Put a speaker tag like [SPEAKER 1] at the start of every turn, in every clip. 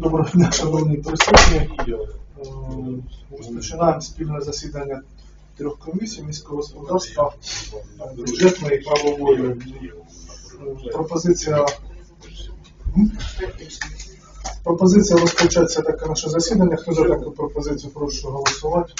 [SPEAKER 1] Доброго дня, шановні присутні. Розпочинаємо спільне засідання трьох комісій: міського господарства, бюджетної і правової. Пропозиція розпочатися таке наше засідання. Хто за таку пропозицію, прошу голосувати.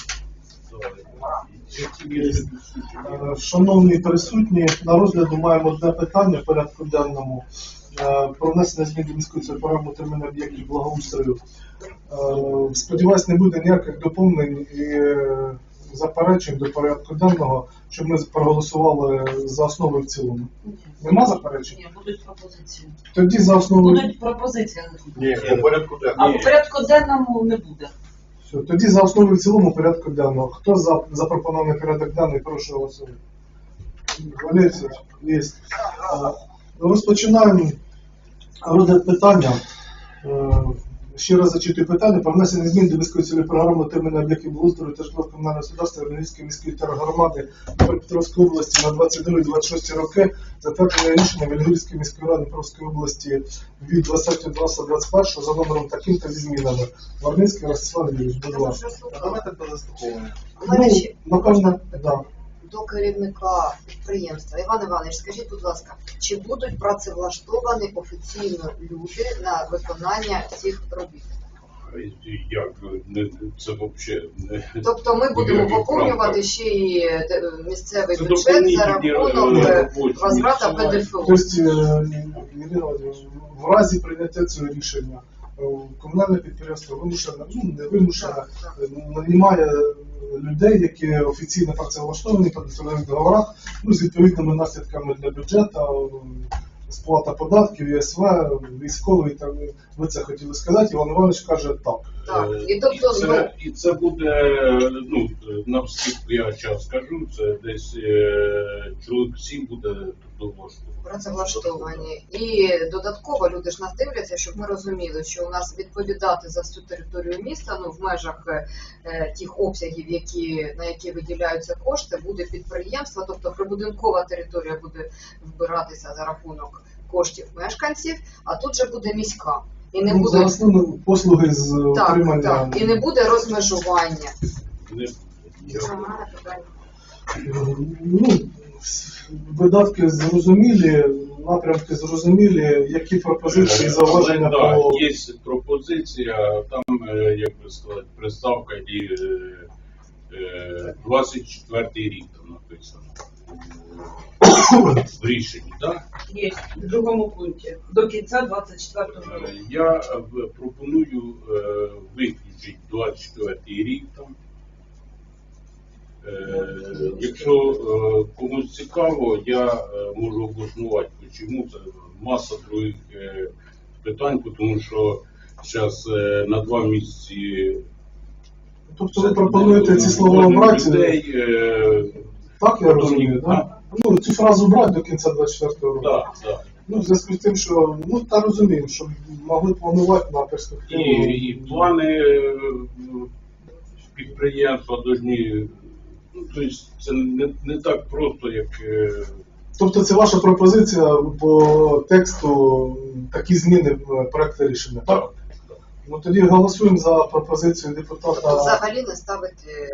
[SPEAKER 1] Шановні присутні, на розгляду маємо одне питання в порядку денному про внесення змін до міської програми утримання об'єктів благоустрою. Сподіваюсь, не буде ніяких доповнень і заперечень до порядку денного, щоб ми проголосували за основу і в цілому. Нема заперечень?
[SPEAKER 2] Ні, будуть пропозиції.
[SPEAKER 1] Тоді за основу...
[SPEAKER 2] Будуть пропозиції.
[SPEAKER 3] Ні, по порядку денному.
[SPEAKER 2] А по порядку денному не буде.
[SPEAKER 1] Все, тоді за основу і в цілому порядку денного. Хто за запропонований порядок денний, прошу голосувати. Валерій, є. Розпочинаємо розгляд питання. Ще раз зачитую питання про внесення змін до міської цільової програми утримання об'єктів благоустрою та житлово-комунального господарства Вінницької міської тергромади Дніпропетровської області на 22-26 роки, затвердження рішення Вільгірської міської ради Дніпровської області від 20.12.21 за номером таким-то зі змінами. Варницький Ростислав Юрійович, будь ласка.
[SPEAKER 3] Давайте до заслуховування.
[SPEAKER 1] Напевно, так.
[SPEAKER 4] До керівника підприємства. Іван Іванович, скажіть, будь ласка, чи будуть працевлаштовані офіційно люди на виконання цих робіт?
[SPEAKER 5] Як? Це взагалі не...
[SPEAKER 4] Тобто ми будемо поповнювати ще й місцевий бюджет за рахунок возврата ПДФО.
[SPEAKER 1] Тобто, Ірина Володимирівна, в разі прийняття цього рішення комунальне підприємство вимушено, не вимушено, нанімає людей, які офіційно працевлаштовані по договірних договорах, з відповідними наслідками для бюджету, сплата податків, ЄСВ, військовий, там, ви це хотіли сказати, Іван Іванович каже так.
[SPEAKER 4] Так, і тобто
[SPEAKER 5] це буде, навскільки я час скажу, це десь чоловік 7 буде
[SPEAKER 4] працевлаштовані. І додатково люди ж нас дивляться, щоб ми розуміли, що у нас відповідати за всю територію міста, в межах тих обсягів, на які виділяються кошти, буде підприємство, тобто прибудинкова територія буде вбиратися за рахунок коштів мешканців, а тут же буде міська. І не буде...
[SPEAKER 1] послуги з отримання.
[SPEAKER 4] Так, і не буде розмежування.
[SPEAKER 1] Видатки зрозумілі, напрямки зрозумілі, які пропозиції, зауваження по...
[SPEAKER 5] Є пропозиція, там, як би сказати, приставка і 24-й рік там написано. В рішенні, так?
[SPEAKER 2] Є, в другому пункті. До кінця 24-го року.
[SPEAKER 5] Я пропоную виключити 24-й рік там. Якщо комусь цікаво, я можу обоснувати, чому це маса других питань, тому що зараз на 2 місяці...
[SPEAKER 1] Тобто ви пропонуєте ці слова обрати? Так, я розумію, так? Цю фразу брати до кінця 24-го року.
[SPEAKER 5] Так.
[SPEAKER 1] В зв'язку з тим, що, та розуміємо, що могли планувати на перспективу.
[SPEAKER 5] І плани підприємства повинні... Тобто це не так просто, як...
[SPEAKER 1] Тобто це ваша пропозиція по тексту, такі зміни в проєкті рішення, так? Тоді голосуємо за пропозицію депутата...
[SPEAKER 4] Тобто взагалі не ставити...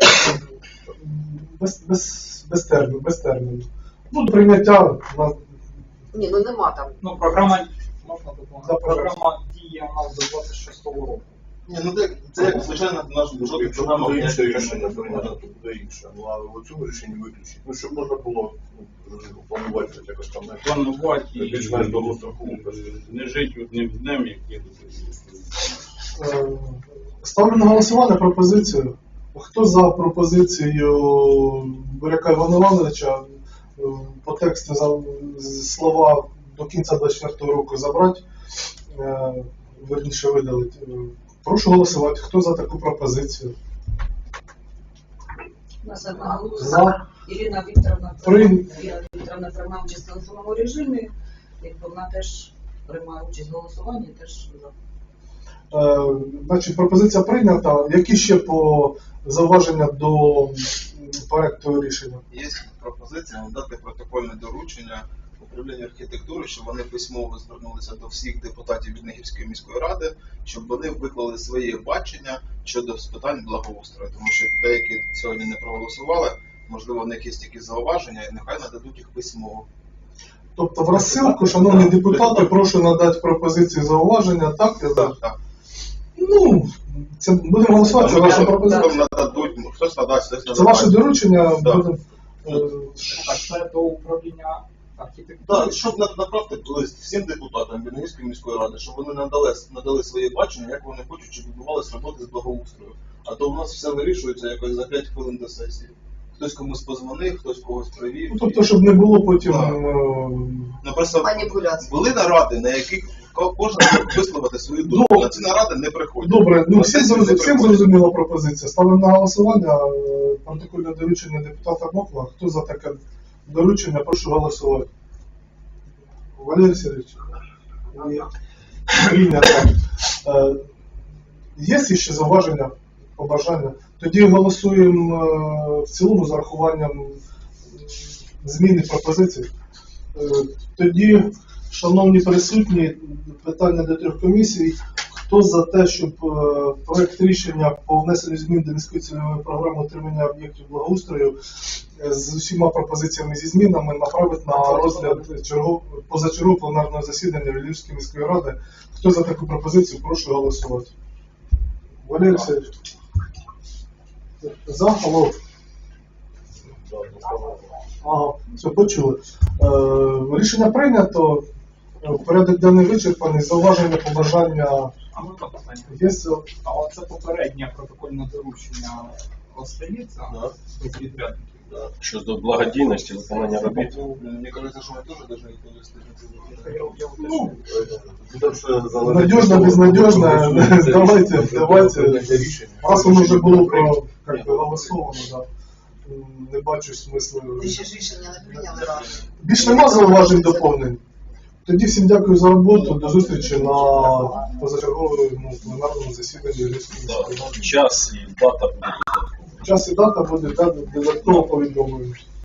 [SPEAKER 1] Без терміну. Прийняття...
[SPEAKER 4] Ні, нема там.
[SPEAKER 6] Програма, можна допомогти? Програма діє у нас до 26-го року.
[SPEAKER 3] Ні, це як звичайно наш бюджет, програма інше рішення прийняти, то буде інше. А в цьому рішенні виключити. Щоб можна було планувати якось там
[SPEAKER 5] Планувати і
[SPEAKER 3] більш-менш довгостроково.
[SPEAKER 5] не жити одним днем, як є.
[SPEAKER 1] Ставлю на голосування пропозицію. Хто за пропозицією Буряка Івана Івановича по тексту слова до кінця 24-го року забрати, верніше видалити? Прошу голосувати. Хто за таку пропозицію?
[SPEAKER 2] У нас одна голоса. Ірина Вікторовна приймає участь в телефонному режимі. Вона теж приймає участь в голосуванні, теж за.
[SPEAKER 1] Значить, пропозиція прийнята. Які ще по зауваження до проекту рішення?
[SPEAKER 3] Є пропозиція надати протокольне доручення
[SPEAKER 7] управління архітектури, щоб вони письмово звернулися до всіх депутатів Віднегівської міської ради, щоб вони виклали своє бачення щодо питань благоустрою. Тому що деякі сьогодні не проголосували, можливо, в них є якісь зауваження, і нехай нададуть їх письмово.
[SPEAKER 1] Тобто в розсилку, шановні депутати, прошу надати пропозиції зауваження, так?
[SPEAKER 7] Так.
[SPEAKER 1] Ну, це будемо голосувати, це ваша пропозиція.
[SPEAKER 7] Нададуть, хтось надасть, хтось не
[SPEAKER 1] Це ваше
[SPEAKER 7] надасть.
[SPEAKER 1] доручення,
[SPEAKER 7] Да.
[SPEAKER 1] будемо.
[SPEAKER 6] Так, це до управління архітектури.
[SPEAKER 3] Так, щоб направити лист всім депутатам Віднегівської міської ради, щоб вони надали своє бачення, як вони хочуть, щоб відбувалися роботи з благоустрою. А то у нас все вирішується якось за 5 хвилин до сесії. Хтось комусь позвонив, хтось когось привів.
[SPEAKER 1] Ну, тобто, щоб не було потім.
[SPEAKER 3] Так. Ну, просто
[SPEAKER 4] Маніпуляції.
[SPEAKER 3] були наради, на яких кожен мог висловити свою думку. На ці наради не приходять.
[SPEAKER 1] Добре, ну
[SPEAKER 3] На
[SPEAKER 1] всім
[SPEAKER 3] сесії не приходять.
[SPEAKER 1] зрозуміла пропозиція. Ставимо на голосування протокольне доручення депутата Мокла. Хто за таке доручення, прошу голосувати. Валерій Сергійович. Прийнято. Є ще зауваження, побажання? Тоді голосуємо в цілому з урахуванням зміни пропозицій. Тоді, шановні присутні, питання до 3 комісій. Хто за те, щоб проект рішення по внесенню змін до міської цільової програми отримання об'єктів благоустрою з усіма пропозиціями зі змінами направити на розгляд позачергового пленарного засідання Львівської міської ради? Хто за таку пропозицію, прошу голосувати. Валерій Сергійович. За, алло. Ага, все, почули. Рішення прийнято. Порядок денний вичерпаний. Зауваження, побажання
[SPEAKER 6] А можна питання?
[SPEAKER 1] є.
[SPEAKER 6] А оце попереднє протокольне доручення остається
[SPEAKER 3] Да.
[SPEAKER 6] до підрядників?
[SPEAKER 8] Щодо благодійності, виконання робіт.
[SPEAKER 3] Мені кажеться, що ми теж повинні відповісти на ці
[SPEAKER 6] Я
[SPEAKER 1] Ну,
[SPEAKER 3] запитання.
[SPEAKER 1] надежно, безнадежно. Давайте. Раз воно вже було проголосовано, да. Не бачу смислу.
[SPEAKER 4] Ви ще ж рішення не прийняли ради.
[SPEAKER 1] Більш нема зауважень доповнень. Тоді всім дякую за роботу. До зустрічі на позачерговому пленарному засіданні Львівської міської ради.
[SPEAKER 8] Час і дата буде.
[SPEAKER 1] Час і дата буде додатково повідомлено.